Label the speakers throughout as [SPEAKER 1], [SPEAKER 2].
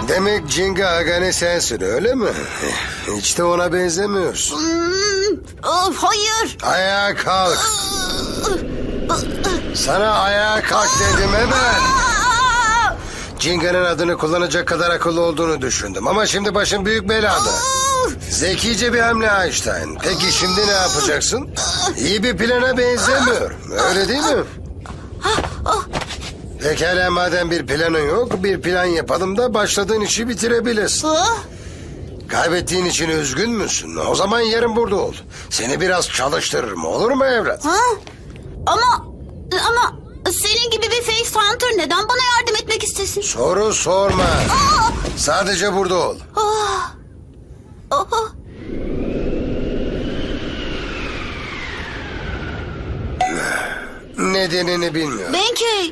[SPEAKER 1] Demek Jinga Agane sensin öyle mi? Hiç de ona benzemiyorsun.
[SPEAKER 2] Hayır.
[SPEAKER 1] Ayağa kalk. Sana ayağa kalk dedim hemen. Jinga'nın adını kullanacak kadar akıllı olduğunu düşündüm. Ama şimdi başın büyük belada. Zekice bir hamle Einstein. Peki şimdi ne yapacaksın? İyi bir plana benzemiyor. Öyle değil mi? Pekala madem bir planın yok, bir plan yapalım da başladığın işi bitirebilirsin. Kaybettiğin için üzgün müsün? O zaman yarın burada ol. Seni biraz çalıştırırım, olur mu evlat?
[SPEAKER 2] Ama senin gibi bir face hunter neden bana yardım etmek istesin?
[SPEAKER 1] Soru sorma. Sadece burada ol. Nedenini bilmiyorum.
[SPEAKER 2] Benkei.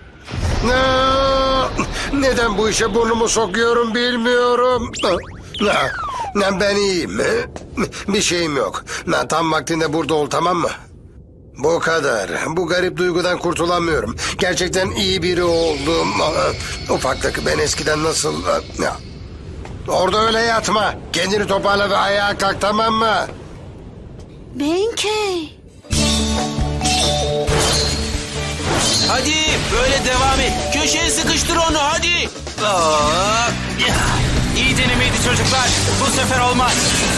[SPEAKER 1] Neden bu işe burnumu sokuyorum bilmiyorum. Ben iyiyim. Bir şeyim yok. Tam vaktinde burada ol, tamam mı? Bu kadar. Bu garip duygudan kurtulamıyorum. Gerçekten iyi biri oldum. Ufaklık ben eskiden nasıl... Orada öyle yatma. Kendini toparla ve ayağa kalk, tamam mı?
[SPEAKER 2] Benkei.
[SPEAKER 3] Hadi böyle devam et. Köşeye sıkıştır onu hadi. Aa, İyi denemeydi çocuklar. Bu sefer olmaz.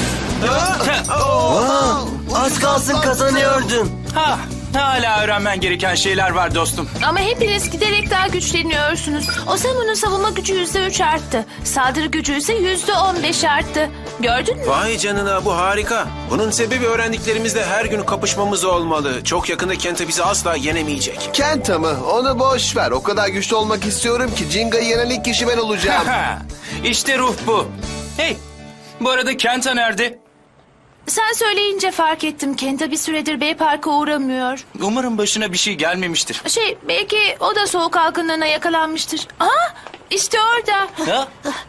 [SPEAKER 4] Az kalsın kazanıyordun.
[SPEAKER 3] Hala öğrenmen gereken şeyler var dostum.
[SPEAKER 5] Ama hepiniz giderek daha güçleniyorsunuz. Osamu'nun savunma gücü %3 arttı. Saldırı gücü ise %15 arttı. Gördün mü?
[SPEAKER 3] Vay canına, bu harika. Bunun sebebi öğrendiklerimizle her gün kapışmamız olmalı. Çok yakında Kenta bizi asla yenemeyecek.
[SPEAKER 6] Kenta mı? Onu boş ver. O kadar güçlü olmak istiyorum ki Jinga'yı yenen ilk kişi ben olacağım.
[SPEAKER 3] İşte ruh bu. Hey, bu arada Kenta nerede?
[SPEAKER 5] Sen söyleyince fark ettim. Kenta bir süredir Bey Park'a uğramıyor.
[SPEAKER 3] Umarım başına bir şey gelmemiştir.
[SPEAKER 5] Belki o da soğuk algınlığına yakalanmıştır. İşte orada.
[SPEAKER 3] Ha?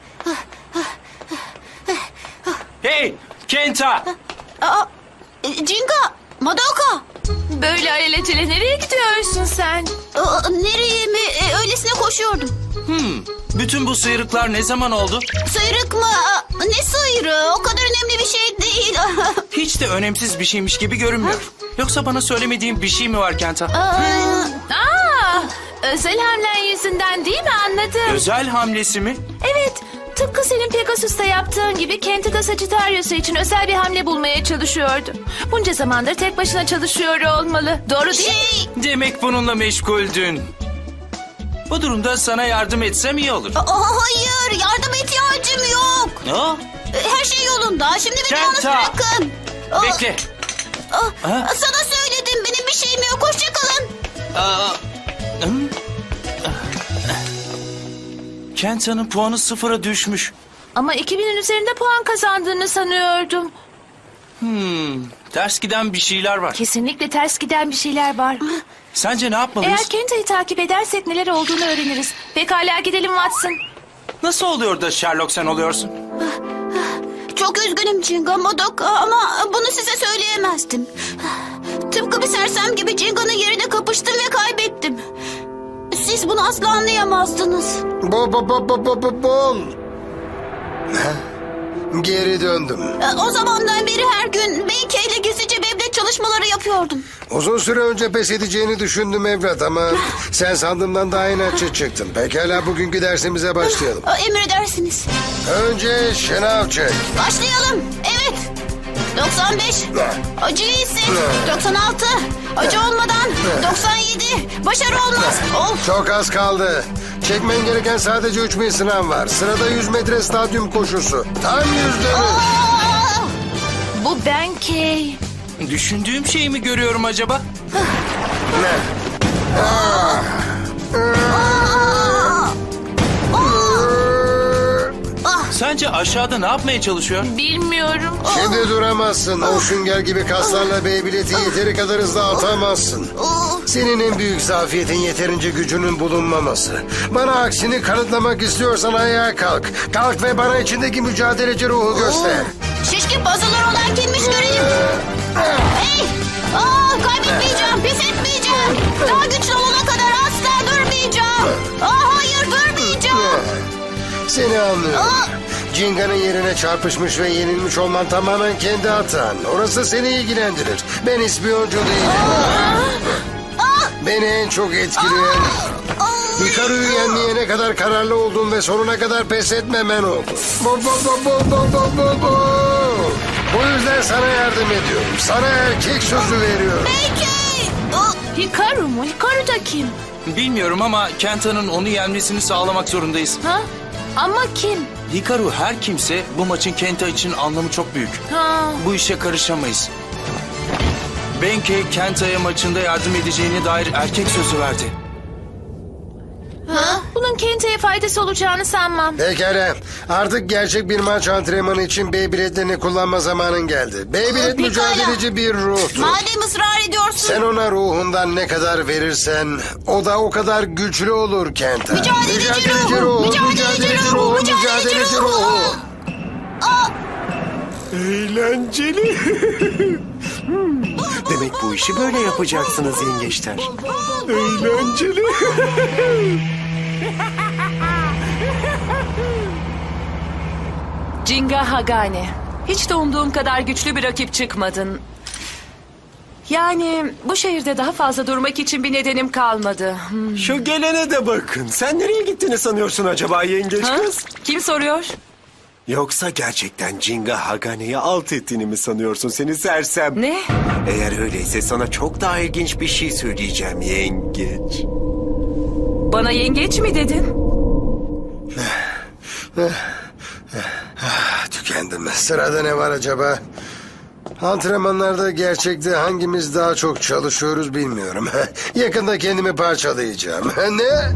[SPEAKER 3] Hey, Kenta!
[SPEAKER 2] Jinga. Madoka.
[SPEAKER 5] Böyle alelacele nereye gidiyorsun sen?
[SPEAKER 2] Nereye mi? Öylesine koşuyordum.
[SPEAKER 3] Bütün bu sıyrıklar ne zaman oldu?
[SPEAKER 2] Sıyrık mı? Ne sıyrığı? O kadar önemli bir şey değil.
[SPEAKER 3] Hiç de önemsiz bir şeymiş gibi görünmüyor. Yoksa bana söylemediğin bir şey mi var Kenta?
[SPEAKER 5] Özel hamlen yüzünden değil mi, anladım.
[SPEAKER 3] Özel hamlesi mi?
[SPEAKER 5] Evet, tıpkı senin Pegasus'ta yaptığın gibi Kenta da Sagittarius'u için özel bir hamle bulmaya çalışıyordu. Bunca zamandır tek başına çalışıyor olmalı. Doğru değil mi?
[SPEAKER 3] Demek bununla meşguldün. Bu durumda sana yardım etsem iyi olur.
[SPEAKER 2] Hayır, yardıma ihtiyacım yok.
[SPEAKER 3] Ne?
[SPEAKER 2] Her şey yolunda. Şimdi beni yalnız
[SPEAKER 3] Kenta!
[SPEAKER 2] bırakın.
[SPEAKER 3] Bekle.
[SPEAKER 2] Sana söyledim, benim bir şeyim yok. Hoşça kalın.
[SPEAKER 3] Kenta'nın puanı 0'a düşmüş.
[SPEAKER 5] Ama 2000'in üzerinde puan kazandığını sanıyordum.
[SPEAKER 3] Ters giden bir şeyler var.
[SPEAKER 5] Kesinlikle ters giden bir şeyler var.
[SPEAKER 3] Sence ne yapmalıyız?
[SPEAKER 5] Eğer Kenta'yı takip edersek neler olduğunu öğreniriz. Pekala gidelim Watson.
[SPEAKER 3] Nasıl oluyor da Sherlock sen oluyorsun?
[SPEAKER 2] Çok üzgünüm Jinga, Madoka, ama bunu size söyleyemezdim. Tıpkı bir sersem gibi Jinga'nın yerine kapıştım ve kaybettim. Siz bunu asla anlayamazdınız.
[SPEAKER 1] Bol. Geri döndüm.
[SPEAKER 2] O zamandan beri her gün Benkei ile gizlice Beyblade çalışmaları yapıyordum.
[SPEAKER 1] Uzun süre önce pes edeceğini düşündüm evlat ama sen sandığımdan daha inatçı çıktın. Pekala bugünkü dersimize başlayalım.
[SPEAKER 2] Emredersiniz.
[SPEAKER 1] Önce şınav çek.
[SPEAKER 2] Başlayalım. Evet. 95. Acıyı hisset. 96. Acı olmadan. 97. Başarı olmaz. Of.
[SPEAKER 1] Çok az kaldı. Çekmen gereken sadece 3000 sınav var. Sırada 100 metre stadyum koşusu. Tam 100 dönüş.
[SPEAKER 5] Bu Benkei.
[SPEAKER 3] Düşündüğüm şeyi mi görüyorum acaba? Sence aşağıda ne yapmaya çalışıyor?
[SPEAKER 5] Bilmiyorum.
[SPEAKER 1] Şimdi duramazsın. O sünger gibi kaslarla Beyblade'i yeteri kadar hızlı atamazsın. Senin en büyük zafiyetin yeterince gücünün bulunmaması. Bana aksini kanıtlamak istiyorsan ayağa kalk. Kalk ve bana içindeki mücadeleci ruhu göster.
[SPEAKER 2] Şişkin puzzle'lar olan kimmiş göreyim. Hey! Kaybetmeyeceğim, pes etmeyeceğim. Daha güçlü olana kadar asla durmayacağım. Hayır, durmayacağım.
[SPEAKER 1] Seni anlıyorum. Jinga'nın yerine çarpışmış ve yenilmiş olman tamamen kendi hatan. Orası seni ilgilendirir. Ben ispiyoncu değilim. Beni en çok etkileyen Hikaru'yu yenmeye ne kadar kararlı olduğun ve sonuna kadar pes etmemen oldu. Bu yüzden sana yardım ediyorum. Sana erkek sözü veriyorum.
[SPEAKER 2] Peki.
[SPEAKER 5] Hikaru mu? Hikaru da kim?
[SPEAKER 3] Bilmiyorum ama Kenta'nın onu yenmesini sağlamak zorundayız.
[SPEAKER 5] Ha? Ama kim?
[SPEAKER 3] Hikaru her kimse bu maçın Kenta için anlamı çok büyük.
[SPEAKER 5] Ha.
[SPEAKER 3] Bu işe karışamayız. Benkei Kenta'ya maçında yardım edeceğine dair erkek sözü verdi.
[SPEAKER 5] Bunun Kenta'ya faydası olacağını sanmam.
[SPEAKER 1] Pekala. Artık gerçek bir maç antrenmanı için Beyblade'lerini kullanma zamanın geldi. Beyblade
[SPEAKER 2] Pekala.
[SPEAKER 1] mücadeleci bir ruhtur.
[SPEAKER 2] Madem ısrar ediyorsun.
[SPEAKER 1] Sen ona ruhundan ne kadar verirsen o da o kadar güçlü olur Kenta.
[SPEAKER 2] Mücadeleci ruhu, mücadeleci ruhu, mücadeleci ruhu.
[SPEAKER 7] Eğlenceli. Demek bu işi böyle yapacaksınız yengeçler. Eğlenceli.
[SPEAKER 8] Jinga Hagane. Hiç de umduğum kadar güçlü bir rakip çıkmadın. Yani bu şehirde daha fazla durmak için bir nedenim kalmadı.
[SPEAKER 7] Şu gelene de bakın. Sen nereye gittiğini sanıyorsun acaba yengeç
[SPEAKER 8] Ha?
[SPEAKER 7] kız?
[SPEAKER 8] Kim soruyor?
[SPEAKER 7] Yoksa gerçekten Jinga Hagane'yi alt ettiğini mi sanıyorsun seni sersem?
[SPEAKER 8] Ne?
[SPEAKER 7] Eğer öyleyse sana çok daha ilginç bir şey söyleyeceğim yengeç.
[SPEAKER 8] Bana yengeç mi dedin?
[SPEAKER 1] Tükendim. Sırada ne var acaba? Antrenmanlarda gerçekte hangimiz daha çok çalışıyoruz bilmiyorum. Yakında kendimi parçalayacağım. Ne?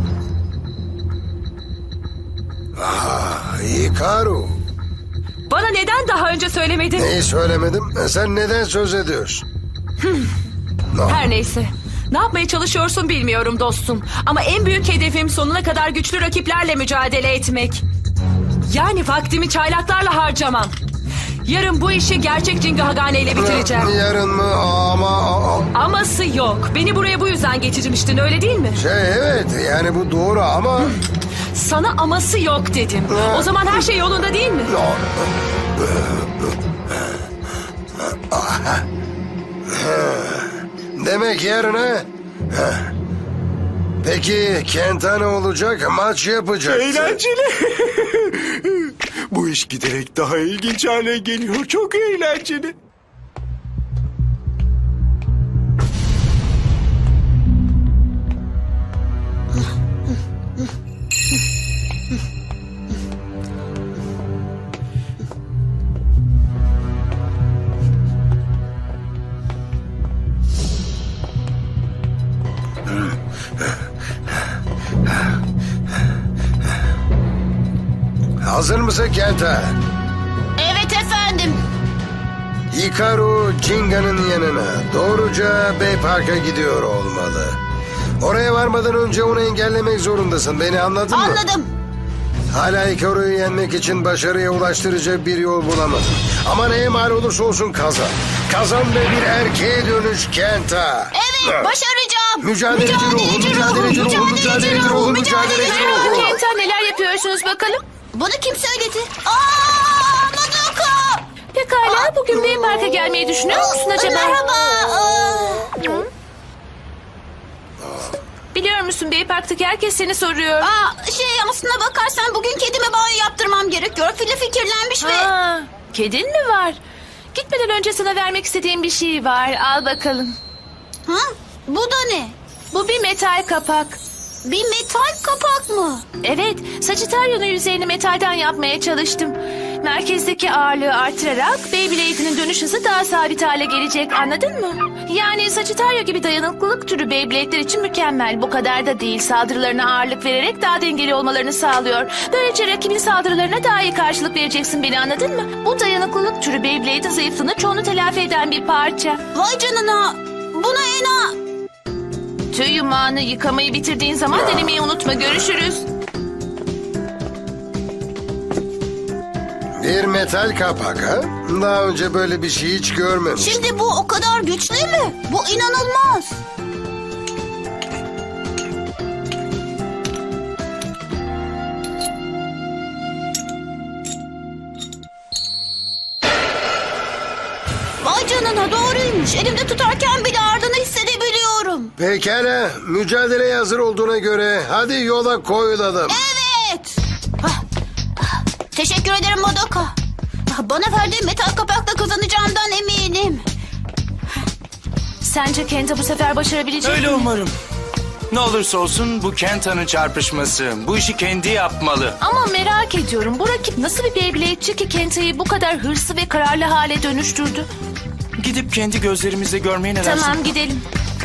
[SPEAKER 1] Hikaru.
[SPEAKER 8] Bana neden daha önce söylemedin?
[SPEAKER 1] Neyi söylemedim? Sen neden söz ediyorsun?
[SPEAKER 8] Her neyse. Ne yapmaya çalışıyorsun bilmiyorum dostum. Ama en büyük hedefim sonuna kadar güçlü rakiplerle mücadele etmek. Yani vaktimi çaylaklarla harcamam. Yarın bu işi gerçek Jinga Hagane ile bitireceğim.
[SPEAKER 1] Yarın mı? Ama...
[SPEAKER 8] Aması yok. Beni buraya bu yüzden getirmiştin öyle değil mi?
[SPEAKER 1] Evet yani bu doğru ama...
[SPEAKER 8] Sana aması yok dedim. O zaman her şey yolunda değil mi?
[SPEAKER 1] Demek yarın ha? Peki Kenta ne olacak? Maç yapacaktı.
[SPEAKER 7] Eğlenceli. Bu iş giderek daha ilginç hale geliyor. Çok eğlenceli.
[SPEAKER 1] Hazır mısın Kenta?
[SPEAKER 2] Evet efendim.
[SPEAKER 1] Hikaru Jinga'nın yanına doğruca Bay Park'a gidiyor olmalı. Oraya varmadan önce onu engellemek zorundasın. Beni anladın mı?
[SPEAKER 2] Anladım.
[SPEAKER 1] Hala Hikaru'yu yenmek için başarıya ulaştıracak bir yol bulamadın. Ama neye mal olursa olsun kazan. Kazan ve bir erkeğe dönüş Kenta.
[SPEAKER 2] Evet başaracağım.
[SPEAKER 1] Mücadeleci ruhu, mücadeleci ruhu, mücadeleci ruhu, mücadeleci ruhu.
[SPEAKER 5] Kenta neler yapıyorsunuz bakalım?
[SPEAKER 2] Bunu kim söyledi? Madoka.
[SPEAKER 5] Pekala bugün Bay Park'a gelmeyi düşünüyor musun acaba?
[SPEAKER 2] Merhaba.
[SPEAKER 5] Biliyor musun Bay Park'taki herkes seni soruyor.
[SPEAKER 2] Aslına bakarsan bugün kedime banyo yaptırmam gerekiyor. Fili fikirlenmiş ve...
[SPEAKER 5] Ha, kedin mi var? Gitmeden önce sana vermek istediğim bir şey var. Al bakalım.
[SPEAKER 2] Ha? Bu da ne?
[SPEAKER 5] Bu bir metal kapak.
[SPEAKER 2] Bir metal kapak mı?
[SPEAKER 5] Evet, Sagittarius'un yüzeyini metalden yapmaya çalıştım. Merkezdeki ağırlığı artırarak Beyblade'inin dönüş hızı daha sabit hale gelecek, anladın mı? Yani Sagittarius gibi dayanıklılık türü Beyblade'ler için mükemmel. Bu kadar da değil, saldırılarına ağırlık vererek daha dengeli olmalarını sağlıyor. Böylece rakibin saldırılarına daha iyi karşılık vereceksin, beni anladın mı? Bu dayanıklılık türü Beyblade'in zayıflığını çoğunu telafi eden bir parça.
[SPEAKER 2] Vay canına. Buna
[SPEAKER 5] Tüy yumağını yıkamayı bitirdiğin zaman denemeyi unutma, görüşürüz.
[SPEAKER 1] Bir metal kapak ha? Daha önce böyle bir şey hiç görmemiştim.
[SPEAKER 2] Şimdi bu o kadar güçlü mü? Bu inanılmaz. canına, doğruymuş. Elimde tutarken bile ardını hissedebiliyorum.
[SPEAKER 1] Pekala, mücadeleye hazır olduğuna göre hadi yola koyulalım.
[SPEAKER 2] Evet. Teşekkür ederim Madoka. Bana verdiğin metal kapakla kazanacağımdan eminim.
[SPEAKER 5] Sence Kenta bu sefer başarabilecek
[SPEAKER 3] Öyle
[SPEAKER 5] mi?
[SPEAKER 3] umarım. Ne olursa olsun bu Kenta'nın çarpışması. Bu işi kendi yapmalı.
[SPEAKER 5] Ama merak ediyorum, bu rakip nasıl bir Beyblade'ci ki Kenta'yı bu kadar hırslı ve kararlı hale dönüştürdü?
[SPEAKER 3] Gidip kendi gözlerimizle görmeye ne dersin?
[SPEAKER 5] Tamam, gidelim.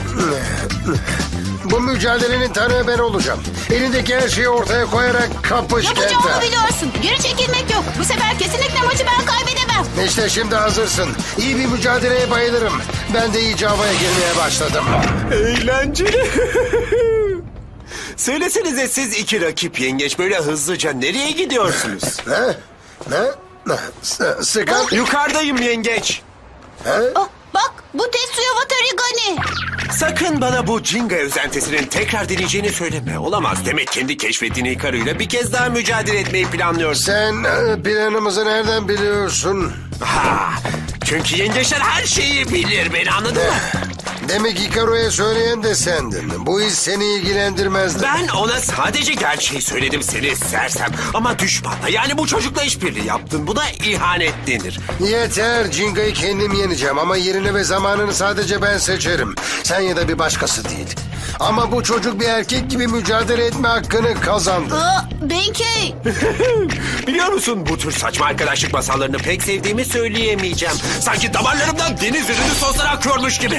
[SPEAKER 1] Bu mücadelenin tanığı ben olacağım. Elindeki her şeyi ortaya koyarak kapış
[SPEAKER 2] Yapacağımı
[SPEAKER 1] Kenta.
[SPEAKER 2] biliyorsun. Geri çekilmek yok. Bu sefer kesinlikle maçı ben kaybedemem.
[SPEAKER 1] İşte şimdi hazırsın. İyi bir mücadeleye bayılırım. Ben de iyice havaya girmeye başladım.
[SPEAKER 7] Eğlenceli. Söylesenize siz iki rakip yengeç böyle hızlıca nereye gidiyorsunuz?
[SPEAKER 1] Ne? Ne? Sıkan?
[SPEAKER 7] Yukarıdayım yengeç.
[SPEAKER 2] Oh, bak bu Tetsuya Watarigani.
[SPEAKER 7] Sakın bana bu Jinga özentesinin tekrar deneyeceğini söyleme. Olamaz. Demek kendi keşfettiğin Hikaru'yla bir kez daha mücadele etmeyi planlıyorsun.
[SPEAKER 1] Sen planımızı nereden biliyorsun?
[SPEAKER 7] Ha, çünkü yengeçler her şeyi bilir, beni anladın mı?
[SPEAKER 1] Demek Hikaru'ya söyleyen de sendin. Bu iş seni ilgilendirmezdi.
[SPEAKER 7] Ben ona sadece gerçeği söyledim seni sersem. Ama düşmanla, yani bu çocukla işbirliği yaptın. Buna ihanet denir.
[SPEAKER 1] Yeter, Jinga'yı kendim yeneceğim ama yerini ve zamanını sadece ben seçerim. Sen ya da bir başkası değil. Ama bu çocuk bir erkek gibi mücadele etme hakkını kazandı.
[SPEAKER 2] Benkei.
[SPEAKER 7] Biliyor musun, bu tür saçma arkadaşlık masallarını pek sevdiğimi söyleyemeyeceğim. Sanki damarlarımdan deniz ürünü soslar akıyormuş gibi.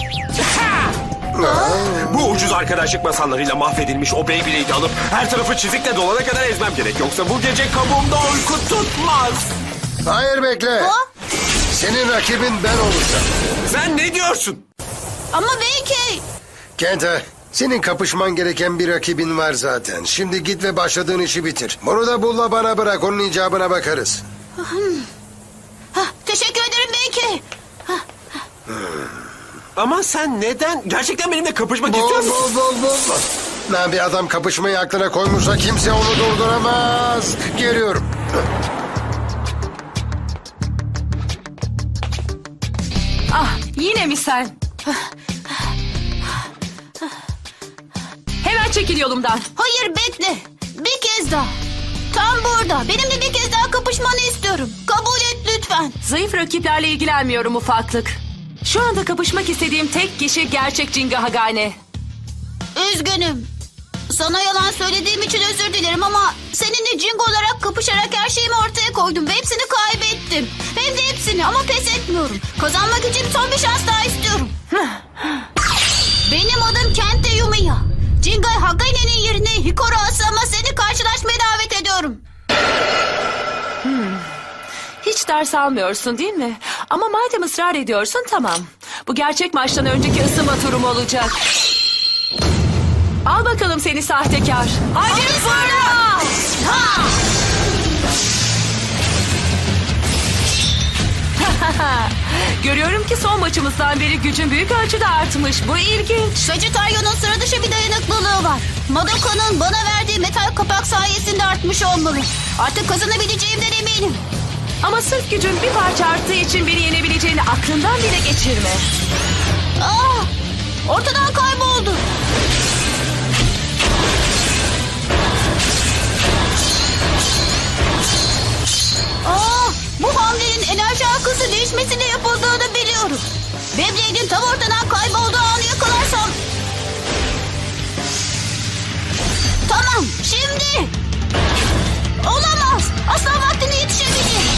[SPEAKER 7] Bu ucuz arkadaşlık masallarıyla mahvedilmiş o Beyblade'i alıp her tarafı çizikle dolana kadar ezmem gerek. Yoksa bu gece kabuğumda uyku tutmaz.
[SPEAKER 1] Hayır bekle. Senin rakibin ben olacağım.
[SPEAKER 7] Sen ne diyorsun?
[SPEAKER 2] Ama Benkei.
[SPEAKER 1] Kenta, senin kapışman gereken bir rakibin var zaten. Şimdi git ve başladığın işi bitir. Bunu da bulla bana bırak, onun icabına bakarız.
[SPEAKER 2] Teşekkür ederim Benkei.
[SPEAKER 7] Ama sen neden? Gerçekten benimle kapışmak istiyor musun?
[SPEAKER 1] Lan bir adam kapışmayı aklına koymuşsa kimse onu durduramaz. Geliyorum.
[SPEAKER 8] Ah, yine mi sen? Hemen çekil yolumdan.
[SPEAKER 2] Hayır bekle. Bir kez daha. Tam burada. Benimle bir kez daha kapışmanı istiyorum. Kabul et lütfen.
[SPEAKER 8] Zayıf rakiplerle ilgilenmiyorum ufaklık. Şu anda kapışmak istediğim tek kişi gerçek Jinga Hagane.
[SPEAKER 2] Üzgünüm. Sana yalan söylediğim için özür dilerim ama seninle Jingo olarak kapışarak her şeyimi ortaya koydum ve hepsini kaybettim. Hem de hepsini ama pes etmiyorum. Kazanmak için son bir şans daha istiyorum. Benim adım Kenta Yumiya. Jinga Hagane'nin yerine Hikaru Asama seni karşılaşmaya davet ediyorum.
[SPEAKER 8] Hiç ders almıyorsun değil mi? Ama madem ısrar ediyorsun tamam. Bu gerçek maçtan önceki ısınma turum olacak. Al bakalım seni sahtekar. Hadi fırla!
[SPEAKER 2] Ha!
[SPEAKER 8] Görüyorum ki son maçımızdan beri gücün büyük ölçüde artmış. Bu ilginç.
[SPEAKER 2] Sagittarius'un sıra dışı bir dayanıklılığı var. Madoka'nın bana verdiği metal kapak sayesinde artmış olmalı. Artık kazanabileceğimden eminim.
[SPEAKER 8] Ama sırf gücün bir parça arttığı için beni yenebileceğini aklından bile geçirme.
[SPEAKER 2] Ortadan kayboldu. Bu hamlenin enerji akısı değişmesiyle yapıldığını biliyorum. Beyblade'in tam ortadan kaybolduğu anı yakalarsam... Tamam, şimdi... Olamaz, asla vaktine yetişemeyecek.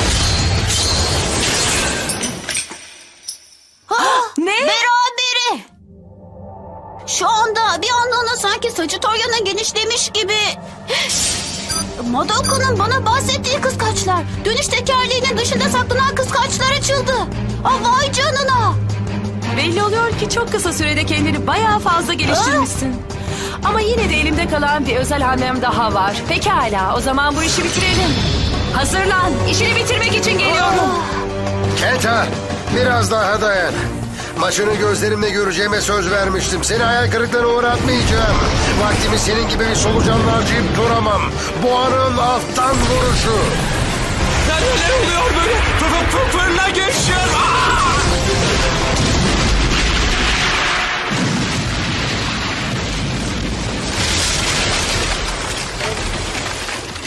[SPEAKER 8] Ne?
[SPEAKER 2] Berabere. Şu anda bir anlığına sanki Sagittarius'un genişlemiş gibi... Madoka'nın bana bahsettiği kıskaçlar. Dönüş tekerleğinin dışında saklanan kıskaçlar açıldı. Vay canına.
[SPEAKER 8] Belli oluyor ki çok kısa sürede kendini bayağı fazla geliştirmişsin. Ama yine de elimde kalan bir özel hamlem daha var. Pekala, o zaman bu işi bitirelim. Hazırlan, işini bitirmek için geliyorum.
[SPEAKER 1] Kenta, biraz daha dayan. Maçını gözlerimle göreceğime söz vermiştim. Seni hayal kırıklığına uğratmayacağım. Vaktimi senin gibi bir solucanla harcayıp duramam. Boğanın alttan vuruşu.
[SPEAKER 7] Neler oluyor böyle? Fırla geçiyor.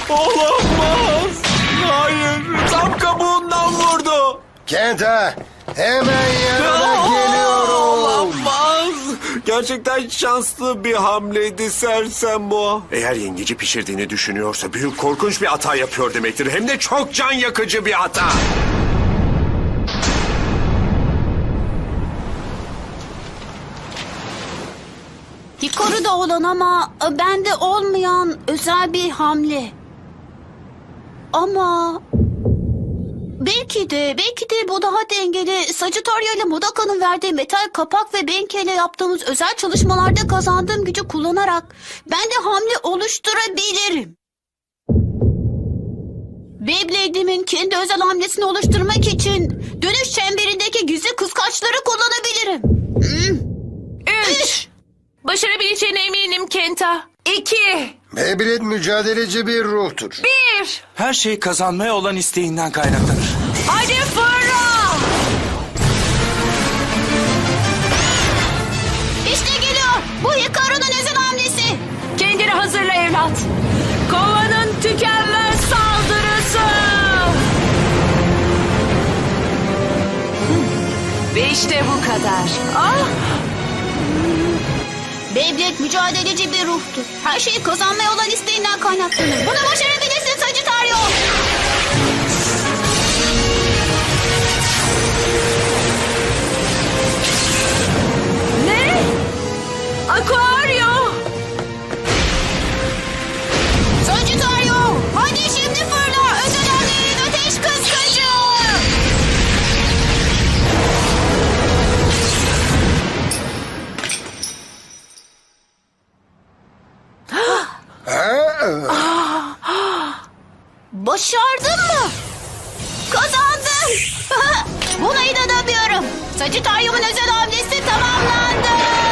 [SPEAKER 7] Olamaz. Hayır. Tam kabuğundan vurdu.
[SPEAKER 1] Kenta, hemen yanına geliyorum.
[SPEAKER 7] Olamaz. Gerçekten şanslı bir hamleydi sersem boğa. Eğer yengeci pişirdiğini düşünüyorsa büyük korkunç bir hata yapıyor demektir. Hem de çok can yakıcı bir hata.
[SPEAKER 2] Hikaru'da olan ama bende olmayan özel bir hamle. Ama belki de bu daha dengeli. Sagittario ile Modoka'nın verdiği metal kapak ve Benkei ile yaptığımız özel çalışmalarda kazandığım gücü kullanarak ben de hamle oluşturabilirim. Beyblade'imin kendi özel hamlesini oluşturmak için dönüş çemberindeki gizli kıskaçları kullanabilirim.
[SPEAKER 8] 3,
[SPEAKER 5] Başarabileceğine eminim Kenta.
[SPEAKER 8] 2,
[SPEAKER 1] Beyblade mücadeleci bir ruhtur.
[SPEAKER 8] 1.
[SPEAKER 3] Her şey kazanmaya olan isteğinden kaynaklanır.
[SPEAKER 8] Hadi fırla.
[SPEAKER 2] İşte geliyor. Bu Hikaru'nun özel hamlesi.
[SPEAKER 8] Kendini hazırla evlat. Kovanın tükenmez saldırısı. Ve işte bu kadar. Ah,
[SPEAKER 2] Beyblade mücadeleci bir ruhtur. Her şeyi kazanmaya olan isteğinden kaynaklanır. Bunu başarabilirsin Sagittario.
[SPEAKER 8] ne? Aquario.
[SPEAKER 2] Sagittario, hadi şimdi fırla. Özel hamlenin ateş kıskacı. Başardın mı? Kazandın. Buna inanamıyorum. Sagittario'nun özel hamlesi tamamlandı.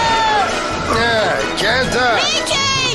[SPEAKER 1] Kenta,
[SPEAKER 2] Benkei.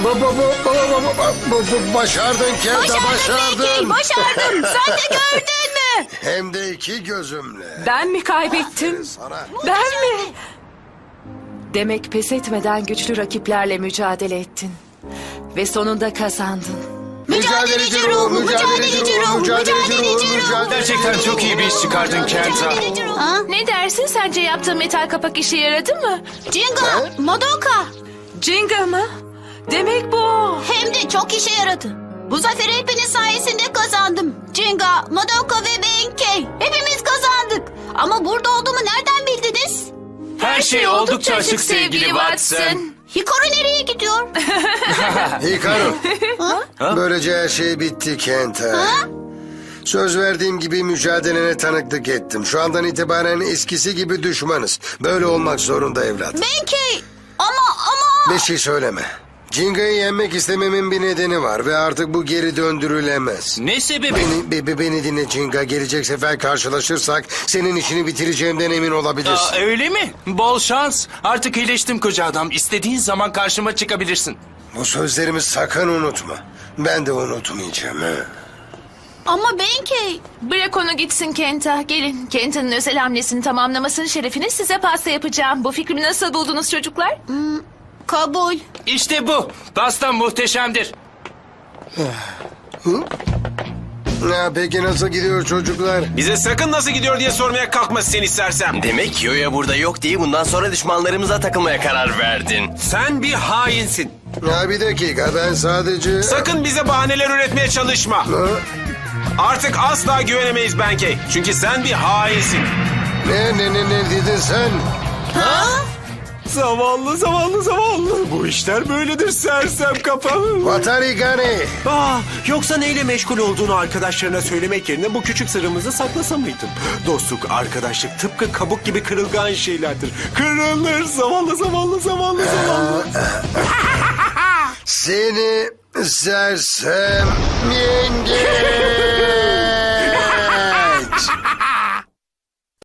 [SPEAKER 1] başardın Kenta,
[SPEAKER 2] Başardın Benkei. Başardın. Sen de gördün mü?
[SPEAKER 1] Hem de iki gözümle.
[SPEAKER 8] Ben mi kaybettim?
[SPEAKER 1] Sana.
[SPEAKER 8] Ben mi? Demek pes etmeden güçlü rakiplerle mücadele ettin. Ve sonunda kazandın.
[SPEAKER 2] Mücadeleci ruh, mücadeleci ruh, mücadeleci ruh.
[SPEAKER 3] Gerçekten çok iyi bir iş çıkardın Kenta.
[SPEAKER 2] Ha?
[SPEAKER 5] Ne dersin, sence yaptığın metal kapak işe yaradı mı?
[SPEAKER 2] Jinga, Madoka.
[SPEAKER 8] Jinga mı? Demek bu.
[SPEAKER 2] Hem de çok işe yaradı. Bu zaferi hepiniz sayesinde kazandım. Jinga, Madoka ve Benkei. Hepimiz kazandık. Ama burada olduğumu nereden bildiniz?
[SPEAKER 3] Her şey oldukça açık sevgili Watson.
[SPEAKER 2] Hikaru nereye gidiyor?
[SPEAKER 1] Hikaru. Böylece her şey bitti Kenta. Söz verdiğim gibi mücadelene tanıklık ettim. Şu andan itibaren eskisi gibi düşmanız. Böyle olmak zorunda evlat.
[SPEAKER 2] Benkei. Ama...
[SPEAKER 1] Bir şey söyleme. Jinga'yı yenmek istememin bir nedeni var ve artık bu geri döndürülemez.
[SPEAKER 3] Ne sebebi?
[SPEAKER 1] Beni dinle Jinga. Gelecek sefer karşılaşırsak senin işini bitireceğimden emin olabilirsin.
[SPEAKER 3] Öyle mi? Bol şans. Artık iyileştim koca adam. İstediğin zaman karşıma çıkabilirsin.
[SPEAKER 1] Bu sözlerimi sakın unutma. Ben de unutmayacağım.
[SPEAKER 2] Ama Benkei.
[SPEAKER 5] Bırak onu gitsin Kenta. Gelin, Kenta'nın özel hamlesini tamamlamasının şerefine size pasta yapacağım. Bu fikrimi nasıl buldunuz çocuklar?
[SPEAKER 2] Kabul.
[SPEAKER 3] İşte bu. Pastam muhteşemdir.
[SPEAKER 1] Peki nasıl gidiyor çocuklar?
[SPEAKER 7] Bize sakın nasıl gidiyor diye sormaya kalkma seni sersem.
[SPEAKER 4] Demek Yoya burada yok diye bundan sonra düşmanlarımıza takılmaya karar verdin.
[SPEAKER 7] Sen bir hainsin.
[SPEAKER 1] Bir dakika, ben sadece...
[SPEAKER 7] Sakın bize bahaneler üretmeye çalışma. Artık asla güvenemeyiz Benkei. Çünkü sen bir hainsin.
[SPEAKER 1] Ne dedin sen?
[SPEAKER 7] Zavallı. Bu işler böyledir sersem kafalı.
[SPEAKER 1] Watari Gane.
[SPEAKER 7] Yoksa neyle meşgul olduğunu arkadaşlarına söylemek yerine bu küçük sırrımızı saklasa mıydın? Dostluk, arkadaşlık tıpkı kabuk gibi kırılgan şeylerdir. Kırılır zavallı.
[SPEAKER 1] Seni sersem yenge.